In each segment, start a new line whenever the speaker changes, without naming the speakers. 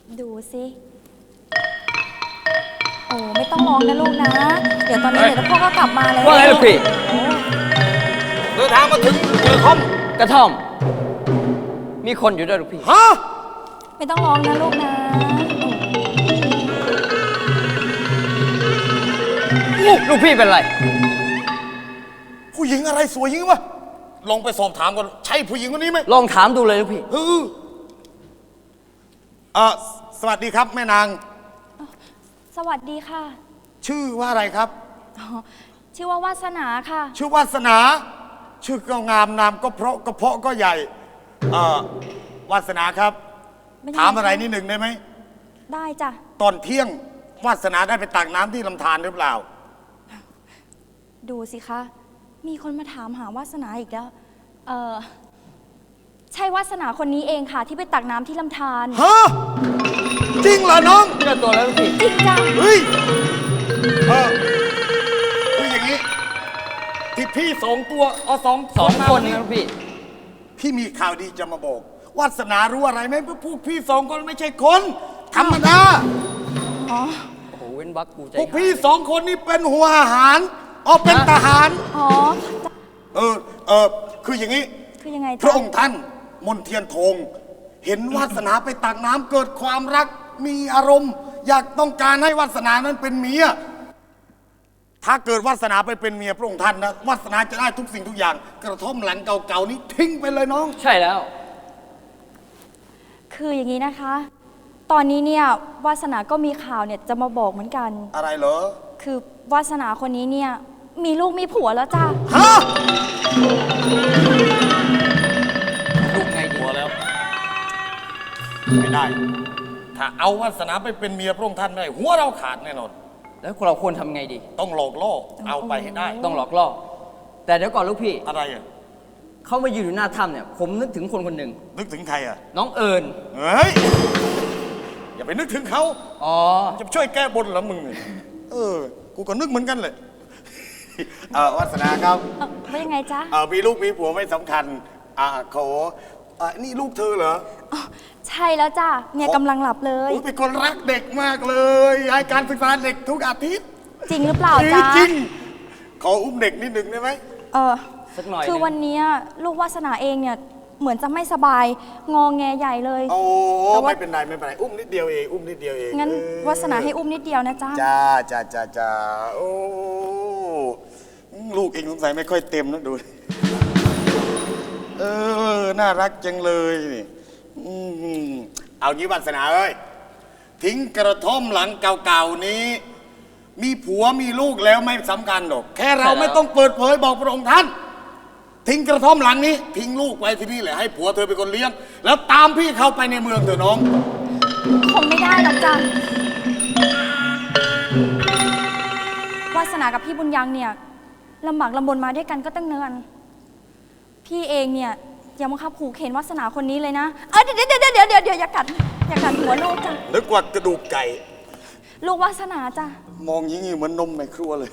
ดูสิโอ้ไม่ต้องร้องนะลูกนะ เดี๋ยวตอนนี้เดี๋ยวพ่อก็กลับมาแล้ว
ว่าไงลูกพี่
เดินทางมาถึงกระท่อม
กระท่อม มีคนอยู่ด้วยลูกพี่
ฮะ
ไม่ต้องร้องนะลูกนะ
ลูกพี่เป็นไร
ผู้หญิงอะไรสวยอยังวะลองไปสอบถามก่อนใช่ผู้หญิงคนนี้ไหม
ลองถามดูเลยลูกพี่
สวัสดีครับแม่นาง
สวัสดีค่ะ
ชื่อว่าอะไรครับ
อ๋อชื่อว่าวาสนาค่ะ
ชื่อวาสนา ชื่อก็งามนามก็เพราะกระเพาะก็ใหญ่วาสนาครับ
ไม่ได้
ถามอะไรนิดหนึ่งได้ไหม
ได้จ้ะ
ตอนเที่ยงวาสนาได้ไปตักน้ำที่ลำธารหรือเปล่า
ดูสิคะ มีคนมาถามหาวาสนาอีกแล้วใช่วาสนาคนนี้เองค่ะ ที่ไปตักน้ำที่ลำธาร
ฮะ จริงเหรอน้อง
เชื่อตัวแล้วลูกพี่
จริงจ้ะ
เฮ้ยคืออย่างนี้ ที่พี่สองตัวเอาสอง
สองคน
มา
นะลูกพี่
พี่มีข่าวดีจะมาบอกวาสนารู้อะไรไหมพวกพี่สองคนไม่ใช่คน ธรรมดา
อ๋อ
โอ้โห เว้นวักกูใจ
พวกพี่สองคนนี่เป็นหัวอาหารเป็นทหาร
อ๋อ
คืออย่างนี้
คือยังไง
พระ
จ๊ะ
องค์ท่านมนเทียนทงเห็นวาสนาไปตักน้ำเกิดความรักมีอารมณ์ อยากต้องการให้วาสนานั้นเป็นเมียถ้าเกิดวาสนาไปเป็นเมียพระองค์ท่านนะวาสนาจะได้ทุกสิ่งทุกอย่าง กระท่อมหลังเก่าๆนี้ทิ้งไปเลยน้อง
ใช่แล้ว
คืออย่างนี้นะคะ ตอนนี้เนี่ยวาสนาก็มีข่าวเนี่ยจะมาบอกเหมือนกัน
อะไรเหรอ
คือวาสนาคนนี้เนี่ยมีลูกมีผัวแล้วจ้ะ
ฮะ
ลูกไงดี
หัวแล้วไม่ได้ ถ้าเอาวาสนาไปเป็นเมียพระองค์ท่านไม่ได้หัวเราขาดแน่นอน
แล้วเราควรทำไงดี
ต้องหลอกล่อเอาไปให้ได้
ต้องหลอกล่อ แต่เดี๋ยวก่อนลูกพี่
อะไรอ่ะ
เขามายืนอยู่หน้าถ้ำเนี่ย ผมนึกถึงคนคนหนึ่ง
นึกถึงใครอ่ะ
น้องเอิญ
เฮ้ย อย่าไปนึกถึงเขา
อ๋อ
จะช่วยแก้บนเหรอมึงเนี่ยกูก็นึกเหมือนกันเลย วาสนาครับ
ว่ายังไงจ๊ะ
มีลูกมีผัวไม่สำคัญขอนี่ลูกเธอเหรอ
อ๋อใช่แล้วจ้ะเนี่ยกำลังหลับเลย
อุ๊ยเป็นคนรักเด็กมากเลยให้การศึกษาเด็กทุกอาทิตย์
จริงหรือเปล่าจ๊ะ
จริงขออุ้มเด็กนิดหนึ่งได้ไหม
สักหน่อย
คือ
หนึ่ง
วันเนี้ยลูกวาสนาเองเนี่ยเหมือนจะไม่สบายงอแงใหญ่เลย
โอ้
แต่ว่า
ไม่เป็นไรไม่เป็นไรอุ้มนิดเดียวเองอุ้มนิดเดียวเอง
งั้นวาสนาให้อุ้มนิดเดียวนะจ๊ะ
จ้าโอ้ลูกเองสงสัยไม่ค่อยเต็มนะดู น่ารักจังเลยนี่เอางี้วาสนาเอ้ยทิ้งกระท่อมหลังเก่าๆนี้ มีผัวมีลูกแล้วไม่สำคัญหรอกแค่เราไม่ต้องเปิดเผยบอกพระองค์ท่าน ทิ้งกระท่อมหลังนี้ ทิ้งลูกไว้ที่นี่แหละให้ผัวเธอเป็นคนเลี้ยง แล้วตามพี่เข้าไปในเมืองเถอะน้อง
คงไม่ได้หรอกจ้ะวาสนากับพี่บุญยังเนี่ยลำบากลำบนมาด้วยกันก็ตั้งเนินพี่เองเนี่ยอย่ามาขับขู่เข็นวาสนาคนนี้เลยนะเดี๋ยวอย่ากัดหัวลูกจ้ะ
นึกว่ากระดูกไก่
ลูกวาสนาจ้ะ
มองยิ่งเหมือนนมในครัวเลย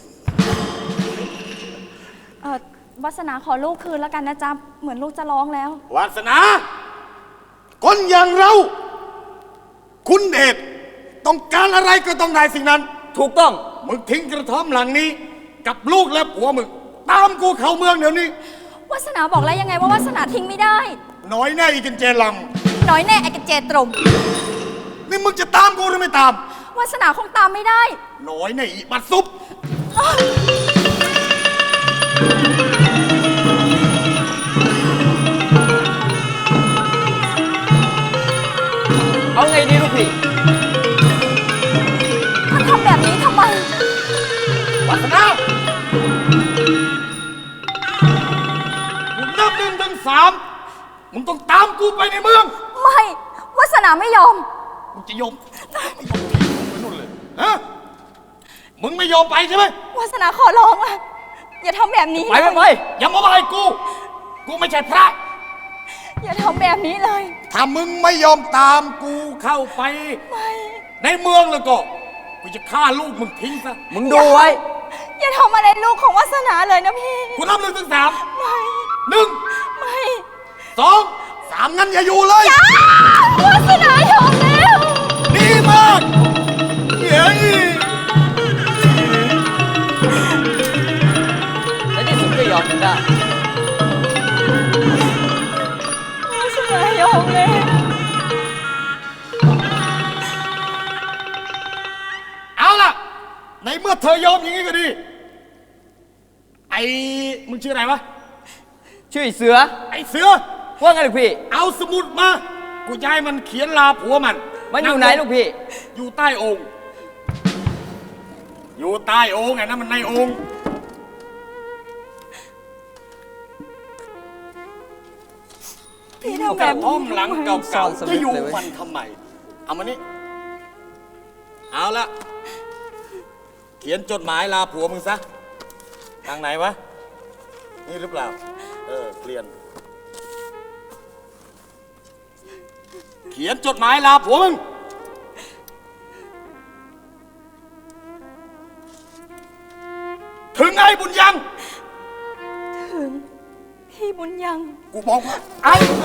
วาสนาขอลูกคืนแล้วกันนะจ๊ะเหมือนลูกจะร้องแล้ว
วาสนา คนอย่างเรา คุณเดชต้องการอะไรก็ต้องได้สิ่งนั้น
ถูกต้อง
มึงทิ้งกระท่อมหลังนี้ กับลูกและผัวมึงตามกูเข้าเมืองเดี๋ยวนี้
วาสนาบอกแล้วยังไงว่าวาสนาทิ้งไม่ได้
น้อยแน่อีกันเจล
น้อยแน่ไอ้กระเจตรม
ำนี่มึงจะตามกูหรือไม่ตาม
วาสนาคงตามไม่ได้
น้อยแน่อีบัดซุป
เอาไงดีลูกพี่
ถ้าทำแบบนี้ทำไม
วาสนามึงนับ1 ถึง 3มึงต้องตามกูไปในเมือง
ไม่วาสนาไม่ยอม
มึงจะยอมไม่ยอมไปนู่นเลยฮะมึงไม่ยอมไปใช่ไหม
วาสนาขอร้องละอย่าทำแบบนี้
ไป
อย่ามาอะไรกูไม่ใช่พระ
อย่าทำแบบนี้เลย
ถ้ามึงไม่ยอมตามกูเข้าไป
ไม่
ในเมืองแล้วก็กูจะฆ่าลูกมึงทิ้งซะ
มึงดูไว้
อย่าทำอะไรลูกของวาสนาเลยนะพี่
กูนับ1 ถึง 3
ไม่
1
ไม่
2 3งั้นอย่าอยู่เลย
วาสนายอมแล้ว
เธอยอมอย่างนี้ก็ดีไอ้มึงชื่ออะไรวะ
ชื่อไอ้เสือ
ไอ้เสือ
ว่าไงลูกพี่
เอาสมุดมากูจะให้มันเขียนลาผัวมัน
มันอยู่ไหนลูกพี่
อยู่ใต้องค์อยู่ใต้องค์ไงนะมันในองค์
พี่ทำ
ก
แบ
ระ
บ
ท่อมหลังเก่า
ซ่อนส
ๆ
วิ
จะ
ตช์
อยู่
เลยเว้ย
มันทำไมเอามานี่เอาละเขียนจดหมายลาผัวมึงซะทางไหนวะนี่หรือเปล่าเปลี่ยนเขียนจดหมายลาผัวมึงถึงไอ้บุญยัง
ถึงพี่บุญยัง
กูบอกว่าไอ้ไง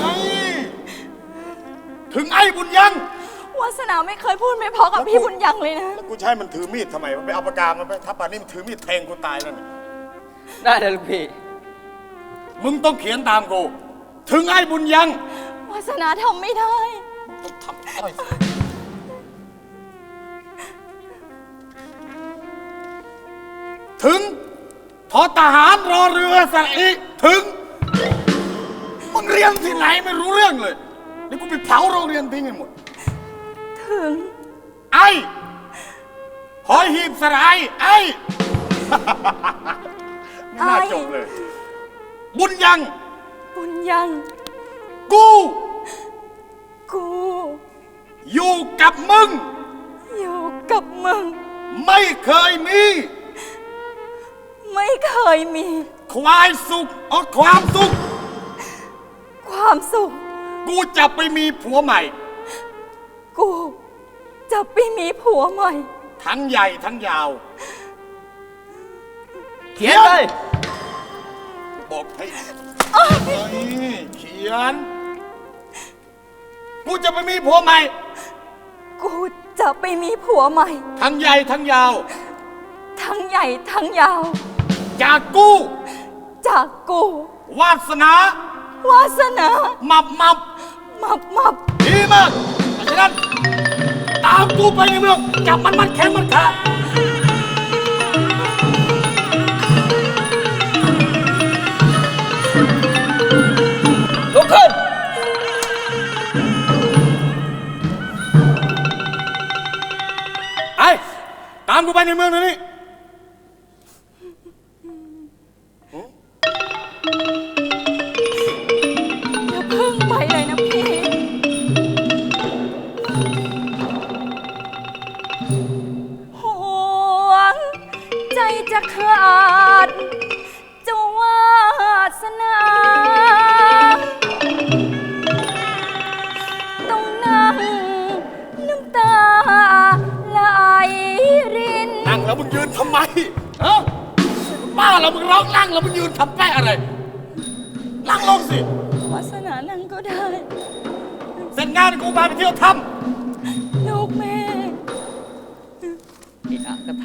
ถึงไอ้บุญยัง
วาสนาไม่เคยพูดไม่เพราะกับพี่บุญยังเลยนะ
แล้วกูใช้มันถือมีดทำไมวะไปเอาปากกามันไปถ้าป่านนี้มันถือมีดแทงกูตายแล้วเนี่ย
ได้เลยลูกพี่
มึงต้องเขียนตามกูถึงไอ้บุญยัง
วาสนาทำไม่ได้
ต้องทำอะไรสิถึงทอทหารรอเรือสระอีถึงมึงเรียนที่ไหนไม่รู้เรื่องเลยนี่กูไปเผาโรงเรียนทิ้งให้หมด
ถึง
ไอ้หอยหีบสลายไอ้ ไม่น่าจบเลย บุญยัง
บุญยัง
กู
กู
อยู่กับมึง
อยู่กับมึง
ไม่เคยมี
ไม่เคยมี
ความสุขความสุข
ความสุข
กูจะไปมีผัวใหม่
กูจะไปมีผัวใหม่
ทั้งใหญ่ทั้งยาว
เขียนเลย
บอกให้เขียน กูจะไปมีผัวใหม่
กูจะไปมีผัวใหม่
ทั้งใหญ่ทั้งยาว
ทั้งใหญ่ทั้งยาว
จากกู
จากกู
วาสนา
วาสนา
มับ
มับ
ดีมากเพราะฉะนั้นตามกูไปในเมืองจับมันแข็งมันขาด
ลุกขึ้น
ไอ้ตามกูไปในเมืองเดี๋ยวนี้
อย่าเพิ่งไปเลยนะพี่ห่วงใจจะขาดจะวาสนาต้องนั่งน้ำตาไหลริน
นั่งแล้วมึงยืนทำไมฮะบ้าแล้วมึงร้องนั่งแล้วมึงยืนทำแป้อะไร นั่งลงสิ
วาสนานั่งก็ได้
เสร็จงานกูพาไปเที่ยวถ้
ลูกแม่
อีกอ่ะก็ท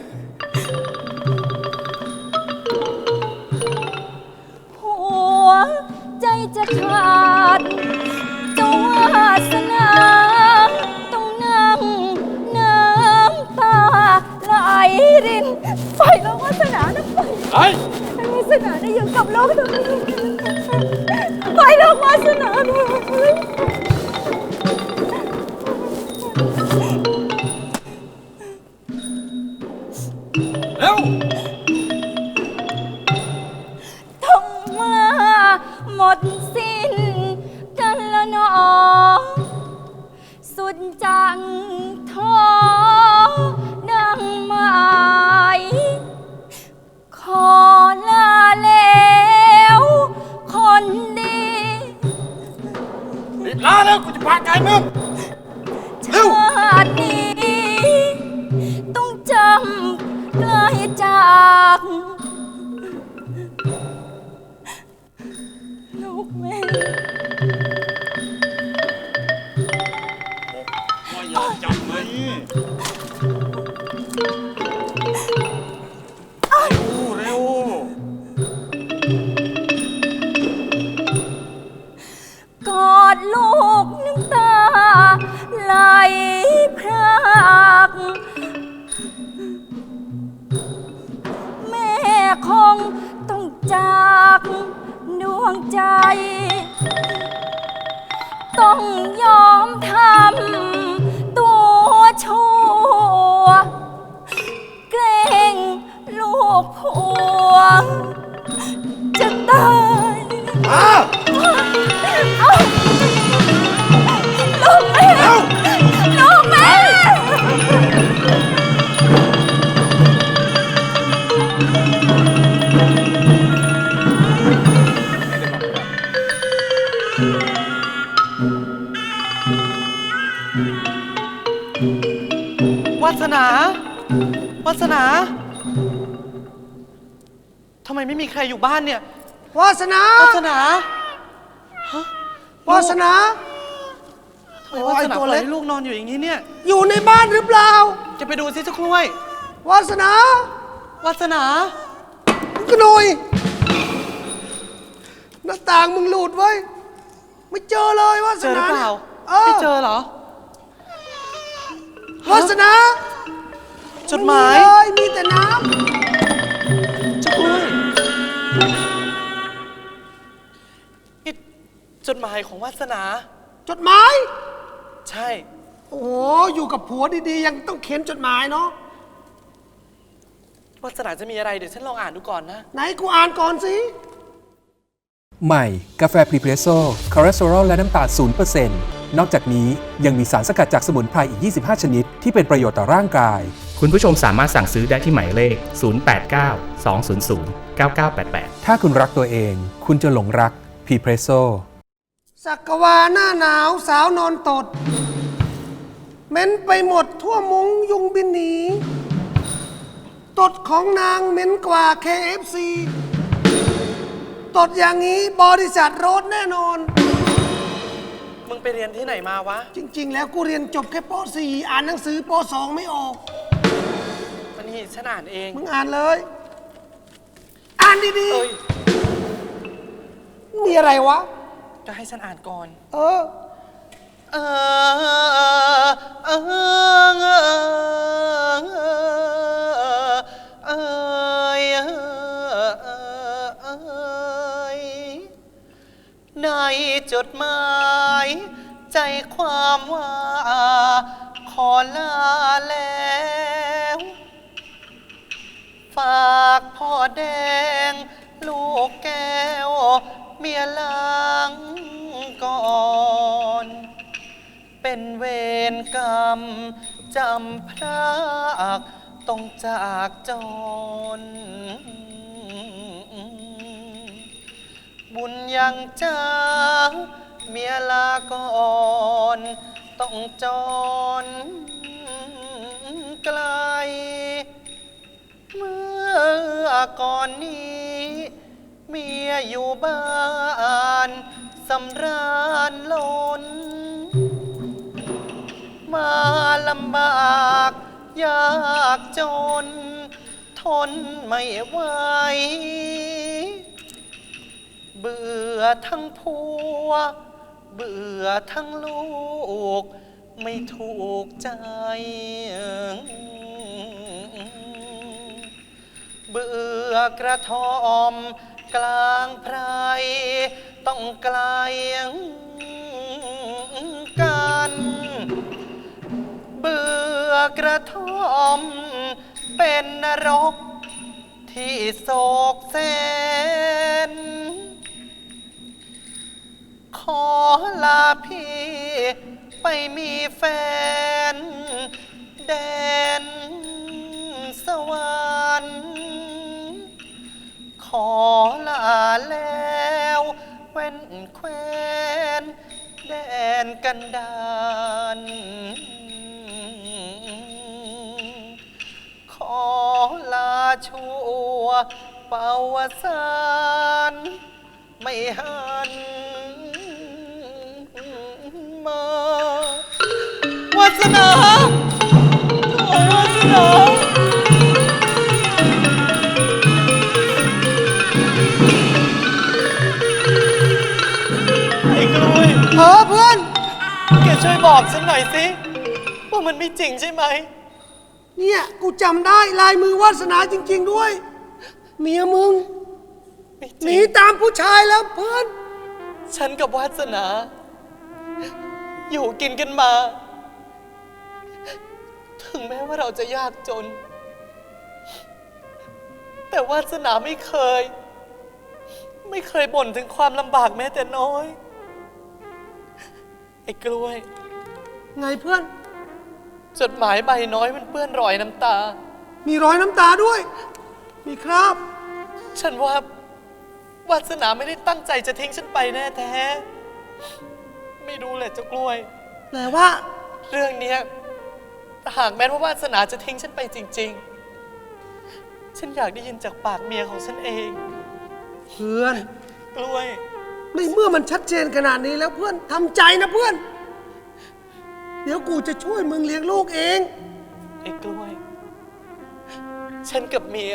หัวใจจะขาดจะวาสนาต้องนั่งน้ำตาไหลรินไปแล้ววาสนานะไป
ำเฮ้ย
ให้วาสนาได้อยู่กับโลกตรงนี้ไปแล้ววาสนานะ
เร็ว
ต้องมาหมดสิ้นกันละหนอสุดจังท้อดังหมายขอลาแล้วคนดี
รีบลาแล้วกูจะพาไกลมึง
ชาตินี้ต้องจำไกลจากลูกแม่
ว่าอย่าจับไหมเร็ว
กอดลูกน้ำตาไหลพรากงใจ ต้องยอมทำตัวชั่วเกรงลูกผัวจะตาย
อ้าว
เอ้าลูกแม่ลูกแม่
วาสนา วาสนา ทำไมไม่มีใครอยู่บ้านเนี่ย
วาสนา
วาสนา
วาสนา
ทำไมวาสนาปล่อยให้ลูกนอนอยู่อย่างนี้เนี่ย
อยู่ในบ้านหรือเปล่า
จะไปดูสิเจ้ากล้วย
วาสนา
วาสนา
กระหน่อยหน้าต่างมึงหลุดไว้ยไม่เจอเลยวา
เจ
ส
อหรื
นา
อเปล่า
นี่ย
ไม่เจอเหรอ
วาสนา
จดหมาย
ไเลยมีแต่น้
เจ้ากล้วยนี่จดหมายของวาสนา
ำจดหมาย
ใช่
โอ้โหอยู่กับผัวดีๆยังต้องเขียนจดหมายเนาะ
วาสนาจะมีอะไรเดี๋ยวฉันลองอ่านดูก่อนนะ
ไหนกูอ่านก่อนสิ
ใหม่ กาแฟพรีเพรสโซ่คอเลสเตอรอลและน้ำตาล 0% นอกจากนี้ยังมีสารสกัดจากสมุนไพรอีก 25 ชนิด ที่เป็นประโยชน์ต่อร่างกาย
คุณผู้ชมสามารถสั่งซื้อได้ที่หมายเลข 089 200 9988
ถ้าคุณรักตัวเอง คุณจะหลงรักพรีเพรสโซ่
สักวาหน้าหนาวสาวนอนตดเหม็นไปหมดทั่วมุ้งยุงบินหนีตดของนางเหม็นกว่า KFC ตดอย่างนี้บริษัทโรดแน่นอน
มึงไปเรียนที่ไหนมาวะ
จริง ๆ แล้วกูเรียนจบแค่ป .4 อ่านหนังสือป .2 ไม่ออก
วันนี้ฉันอ่านเอง
มึงอ่านเลย อ่านดี
เอ้ย
ๆ มีอะไรวะ
จะให้ฉันอ่านก่อน
เออ
เออเออเออเออในจดหมายใจความว่าขอลาแล้ว ฝากพ่อแดง ลูกแก้ว เมียหลังก่อน เป็นเวรกรรมจำพรากต้องจากจร บุญยังจ้าเมียลาก่อนต้องจรไกล เมื่อก่อนนี้เมียอยู่บ้านสำราญล้น มาลำบากยากจน ทนไม่ไหว เบื่อทั้งผัว เบื่อทั้งลูก ไม่ถูกใจ เบื่อกระท่อมกลางไพร ต้องไกลกัน เบื่อกระท่อมเป็นนรกที่โศกเส้น ขอลาพี่ไปมีแฟน แดนสวรรค์ขอลาแล้วเว้นแควนแดนกันดานขอลาชั่วปาวสารไม่หันมาวาสนาโอ้วาสนาไอ้กล้วย
เออเพื่อน
แกช่วยบอกฉันหน่อยสิว่ามันไม่จริงใช่ไหม
เนี่ยกูจำได้ลายมือวาสนาจริง ๆ ด้วย เมียมึง
ไม่จ
ห
ริ
นี
ง
ตามผู้ชายแล้วเพื่อน
ฉันกับวาสนา อยู่กินกันมา ถึงแม้ว่าเราจะยากจน แต่วาสนาไม่เคยบ่นถึงความลำบากแม้แต่น้อย ไอ้กล้วย
ไงเพื่อน
จดหมายใบน้อยมันเปื้อนรอยน้ำตา
มีรอยน้ำตาด้วย มีครับ
ฉันว่าวาสนาไม่ได้ตั้งใจจะทิ้งฉันไปแน่แท้ ไม่รู้แหละเจ้ากล้วย
แปลว่า
เรื่องเนี้ยหากแม้ว่าวาสนาจะทิ้งฉันไปจริง ๆ ฉันอยากได้ยินจากปากเมียของฉันเอง
เพื่อน
กล้วย
ในเมื่อมันชัดเจนขนาดนี้แล้วเพื่อนทำใจนะเพื่อน เดี๋ยวกูจะช่วยมึงเลี้ยงลูกเอง
ไอ้กล้วย ฉันกับเมีย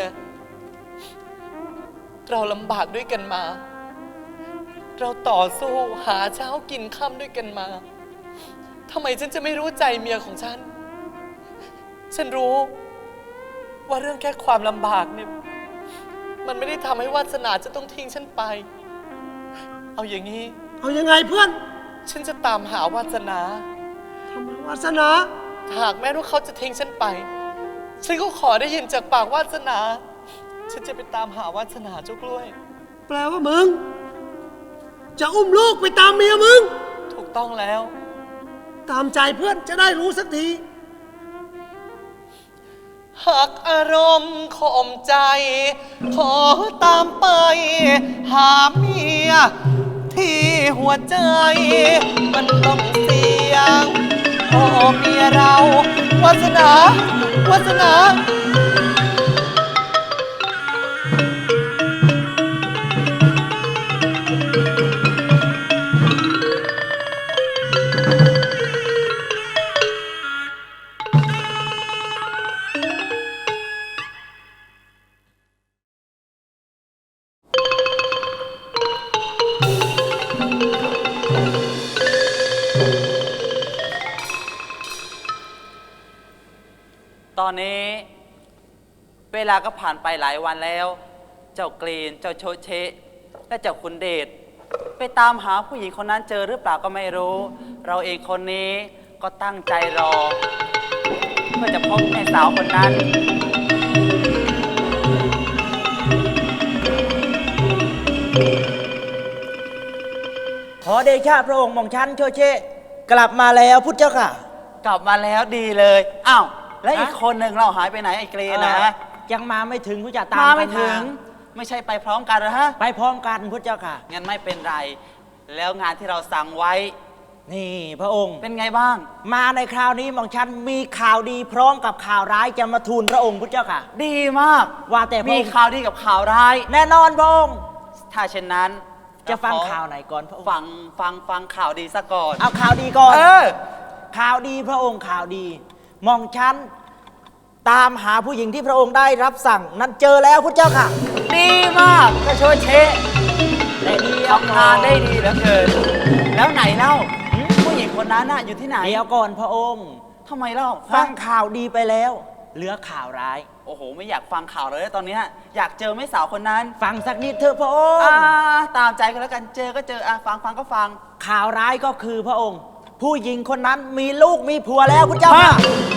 เราลำบากด้วยกันมา เราต่อสู้หาเช้ากินค่ำด้วยกันมา ทำไมฉันจะไม่รู้ใจเมียของฉัน ฉันรู้ว่าเรื่องแค่ความลำบากเนี่ย มันไม่ได้ทำให้วาสนาจะต้องทิ้งฉันไป เอาอย่างนี้
เอายังไงเพื่อน
ฉันจะตามหาวาสนา
ทำไมวาสนา
หากแม้ว่าเขาจะทิ้งฉันไป ฉันก็ขอได้ยินจากปากวาสนา ฉันจะไปตามหาวาสนาเจ้ากล้วย
แปลว่ามึง จะอุ้มลูกไปตามเมียมึง
ถูกต้องแล้ว
ตามใจเพื่อนจะได้รู้สักที
หากอารมณ์ข่มใจ ขอตามไป หาเมีย ที่หัวใจ มันต้องเสียงโอ้เมียเราวาสนาวาสนา
ตอนนี้เวลาก็ผ่านไปหลายวันแล้ว เจ้ากรีน เจ้าโชเชะและเจ้าคุณเดชไปตามหาผู้หญิงคนนั้นเจอหรือเปล่าก็ไม่รู้ เราเองคนนี้ก็ตั้งใจรอ เพื่อจะพบแม่สาวคนนั้น
ขอเดชะพระองค์หม่อมชันโชเชะกลับมาแล้วพุทธเจ้าค่ะ
กลับมาแล้วดีเลยอ้าวแล้วอีกคนหนึ่งเราหายไปไหนไอ้กรีนนะ
ยังมาไม่ถึงพุทธเจ้าตาม
มา
กั
ไม่
น
ถึง ไม่ใช่ไปพร้อมกันเหรอฮะ
ไปพร้อมกันพุทธเจ้าค่ะ
งั้นไม่เป็นไร แล้วงานที่เราสั่งไว้
นี่พระองค์
เป็นไงบ้าง
มาในคราวนี้หม่อมชันมีข่าวดีพร้อมกับข่าวร้ายจะมาทูลพระองค์พุทธเจ้าค่ะ
ดีมาก
ว่าแต่พระ
มี
องค์
ข่าวดีกับข่าวร้าย
แน่นอนพระองค์
ถ้าเช่นนั้น
จะฟัง
เรขอ
ข่าวไหนก่อนพระองค์
ฟังข่าวดีซะก่อน
เอาข่าวดีก่อน
เออ
ข่าวดีพระองค์ข่าวดีหม่อมชันตามหาผู้หญิงที่พระองค์ได้รับสั่ง นั้นเจอแล้วพุทธเจ้าค่ะ
ดีมากกระโชยเชะ
แต่ดี
ทำงานได้ดีเหลือเกิน แล้วไหนเล่าผู้หญิงคนนั้นน่ะอยู่ที่ไหน
เดี๋ยวก่อนพระองค์
ทำไมเล่า
ฟัง
ฮะ
ข่าวดีไปแล้ว เหลือข่าวร้าย
โอ้โห ไม่อยากฟังข่าวเลยตอนเนี้ยอยากเจอแม่สาวคนนั้น
ฟังสักนิดเถอะพระองค์
ตามใจกันแล้วกันเจอก็เจอฟังก็ฟัง
ข่าวร้ายก็คือพระองค์ ผู้หญิงคนนั้นมีลูกมีผัวแล้วพุทธเจ้าค่ะ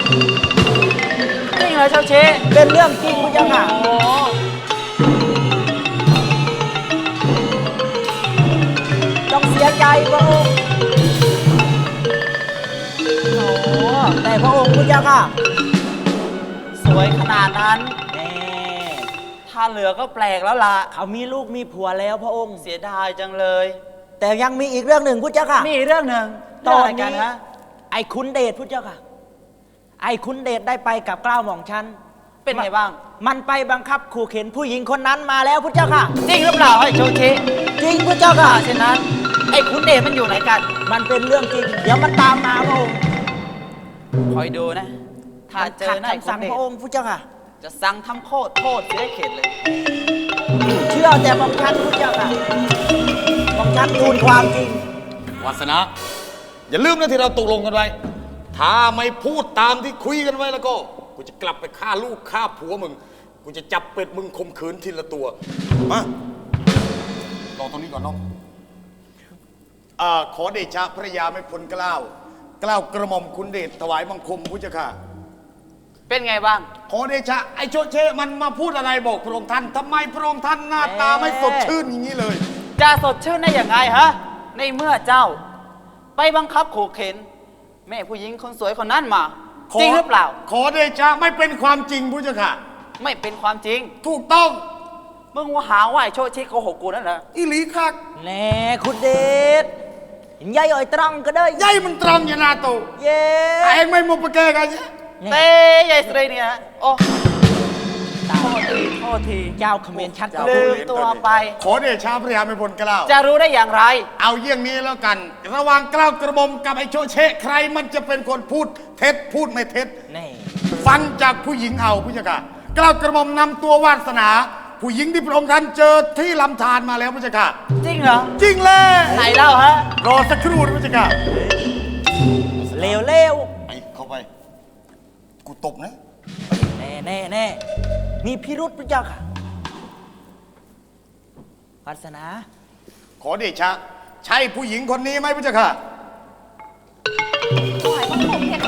จริงเหรอเจ้าเชะ
เป็นเรื่องจริงพุทธเจ้าค่ะ
โอ้โห
ต้องเสียใจพระองค์แต่พระองค์พุทธเจ้าค่ะ
สวยขนาดนั้น
แน่
ถ้าเหลือก็แปลกแล้วล่ะ
เขามีลูกมีผัวแล้วพระองค์
เสียดายจังเลย
แต่ยังมีอีกเรื่องหนึ่งพุทธเจ้าค่ะ
มีอีกเรื่องหนึ่ง
ตอน
เรื่งะไรกั
นี้
ฮะ
ไอ้คุณเดชพุทธเจ้าค่ะ ไอ้คุณเดชได้ไปกับเกล้าหม่อมชัน
เป็นไงบ้าง
มันไปบังคับขู่เข็นผู้หญิงคนนั้นมาแล้วพุทธเจ้าค่ะ
จริงหรือเปล่าไอ้โชเชะ
จริงพุทธเจ้าค่ะ
เช่นนั้น ไอ้คุณเดชมันอยู่ไหนกัน
มันเป็นเรื่องจริง เดี๋ยวมันตามมาพระองค์
คอยดูนะ ถ้าเจอหน้า
ขั
ไอ้
ด
คุ
สั่
ณ
ง
เดช
พระองค์พุทธเจ้าค่ะ
จะสั่งทำโทษเสียให้เข็ดเลย
เชื่อแต่หม่อมชันพุทธเจ้าค่ะหม่อมชันทูลความจริง
วาสนา อย่าลืมนะที่เราตกลงกันไว้ ถ้าไม่พูดตามที่คุยกันไว้แล้วก็ กูจะกลับไปฆ่าลูกฆ่าผัวมึง กูจะจับเป็ดมึงข่มขืนทีละตัว มารอตรงนี้ก่อนน้องขอเดชะพระยาไม่พ้นเกล้ากล้าวกระหม่อมคุณเดชถวายบังคมพุทธเจ้าค่ะ
เป็นไงบ้าง
ขอเดชะไอ้โชเชมันมาพูดอะไรบอกพระองค์ท่านทำไมพระองค์ท่านหน้าตาไม่สดชื่นอย่างนี้เลย
จะสดชื่นได้อย่างไงฮะ ในเมื่อเจ้า ไปบังคับขู่เข็น แม่ผู้หญิงคนสวยคนนั้นมา จริงหรือเปล่า
ขอเดชะไม่เป็นความจริงพุทธเจ้าค่ะ
ไม่เป็นความจริง
ถูกต้อง
มึงว่าหาว่าไอ้โชติโกหกกูนั่นเหรอ
อีหลีคัก
แน่คุณเดชยายอ่อยตรังก็ได้
ยัยมันตรังอยานาโต
เย้
ไอ้ไม่มุปะแกกันเนี่ย
เต้ยายสตรีเนี่ยโอ้โทษที
เจ้าเขมรชัด
ลืมตัวไป
ขอเดชะพระยาไม่พ้นเกล้า
จะรู้ได้อย่างไร
เอาเยี่ยงนี้แล้วกัน ระหว่างเกล้ากระหม่อมกับไอ้โชเชใครมันจะเป็นคนพูดเท็จพูดไม่เท็จ
แน่
ฟังจากผู้หญิงเอาพุทธเจ้าค่ะเกล้ากระหม่อมนำตัววาสนา ผู้หญิงที่พระองค์ท่านเจอที่ลำธารมาแล้วพุทธเจ้าค่ะ
จริงเหรอ
จริงเลย
ไหนเล่าฮะ
รอสักครู่นะพุทธเจ้าค่ะ
เลวเลว
ไอ้เข้าไป กูตบนะ
แน่แน่แน่มีพิรุษพระเจ้าค่ะวาสนา
ขอเดชะ ใช่ผู้หญิงคนนี้ไหมพุทธเจ้าค่ะ
ถวายบังคมเพคะ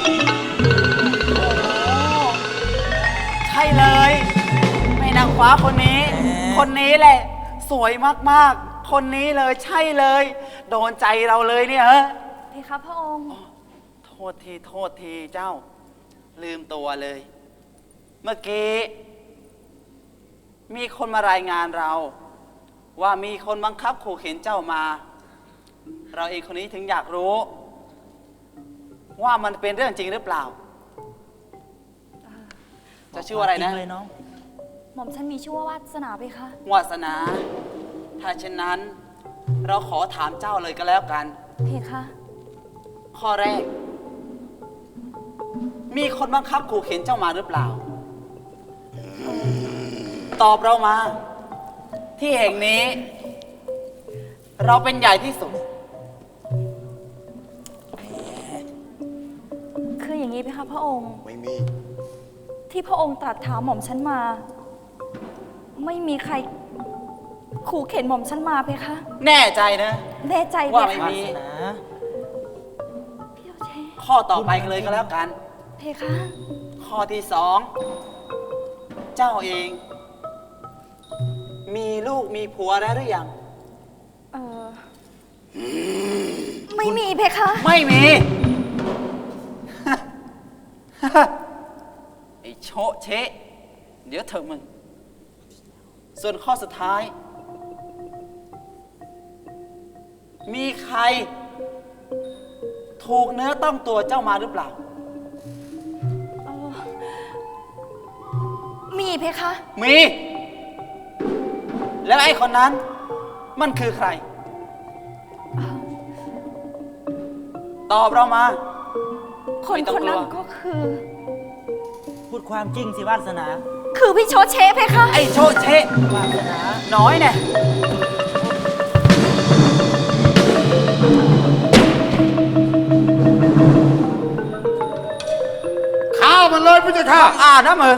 ใช่เลยแม่นางฟ้าคนนี้ คนนี้แหละ สวยมากๆ คนนี้เลยใช่เลย โดนใจเราเลยเนี่ยฮะ
เพคะพระองค์
โทษทีเจ้า ลืมตัวเลย เมื่อกี้มีคนมารายงานเรา ว่ามีคนบังคับขู่เข็นเจ้ามา เราเองคนนี้ถึงอยากรู้ ว่ามันเป็นเรื่องจริงหรือเปล่า จะชื่อว่าอะไรนะ
จงเลยน้อง
หม่อมฉันมีชื่อว่าวาสนาเพคะ
วาสนา ถ้าเช่นนั้น เราขอถามเจ้าเลยก็แล้วกัน
เพคะ
ข้อแรก มีคนบังคับขู่เข็นเจ้ามาหรือเปล่า ตอบเรามา ที่แห่งนี้ เราเป็นใหญ่ที่สุด
คืออย่างนี้เพคะพระองค์
ไม่มี
ที่พระองค์ตรัสถามหม่อมฉันมา ไม่มีใครขู่เข็นหม่อมฉันมาเพคะ
แน่ใจนะ
แน่ใจเพ
ว่าไม่
คะ
มี
วาสนา
พี่โอเช
ข้อต่อไปกันเลยก็แล้วกัน
เพคะ
ข้อที่สองเจ้าเอง มีลูกมีผัวแล้วหรือยัง
เออไม่มีเพคะ
ไม่มี ไอ้โชะเชะเดี๋ยวเถอะมึง ส่วนข้อสุดท้าย มีใคร ถูกเนื้อต้องตัวเจ้ามาหรือเปล่า
เออมีเพคะ
มี แล้วไอ้คนนั้น มันคือใคร ตอบเรามา
คน
ไม่ต้อง
คนนั้น
กลัว
ก็คือ
พูดความจริงสิวาสนา
คือพี่โชเชเพคะ
ไอ้โชะเชะ
วาสนา
น้อยเนี่ย
ข้าวมันเลยพุทธเจ้าค่ะ
อ่านะมึง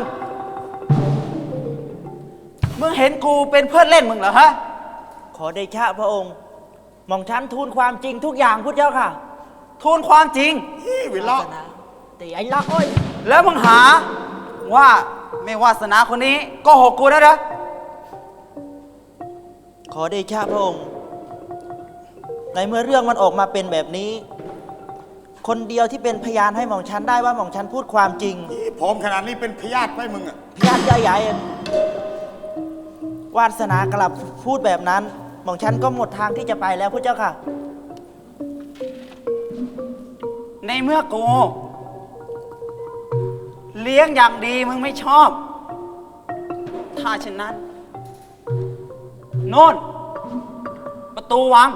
มึงเห็นกูเป็นเพื่อนเล่นมึงเหรอฮะ
ขอเดชะพระองค์ หม่อมฉันทูลความจริงทุกอย่างพุทธเจ้าค่ะ
ทูลความจริง
วิล
วา
ละ
สนาแต่ไอ้ละอ้อย
แล้วมึงหาว่าไม่วาสนาคนนี้โก็หกกูนะเหรอ
ขอเดชะพระองค์ ในเมื่อเรื่องมันออกมาเป็นแบบนี้ คนเดียวที่เป็นพยานให้หม่อมฉันได้ว่าหม่อมฉันพูดความจริง
พร้อมขนาดนี้เป็นพยาธิไปมึงอะ
พยานใหญ่ๆวาสนากลับพูดแบบนั้น หม่อมฉันก็หมดทางที่จะไปแล้วพุทธเจ้าค่ะ
ในเมื่อกู เลี้ยงอย่างดีมึงไม่ชอบ ถ้าเช่นนั้น โน่น ประตูวัง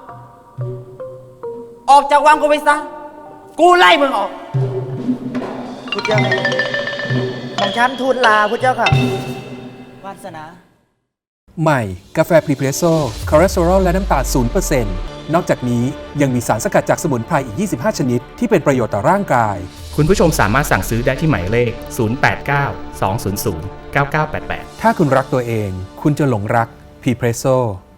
ออกจากวังกูไปซะ กูไล่มึงออก
พุทธเจ้าค่ะหม่อมฉันทูลลาพุทธเจ้าค่ะ วาสนา
ใหม่ กาแฟพรีเพรสโซ่คอเลสเตอรอลและน้ำตาล0%นอกจากนี้ยังมีสารสกัดจากสมุนไพรอีก 25 ชนิด ที่เป็นประโยชน์ต่อร่างกาย
คุณผู้ชมสามารถสั่งซื้อได้ที่หมายเลข 089 200 9988
ถ้าคุณรักตัวเอง คุณจะหลงรักพรีเพรสโซ่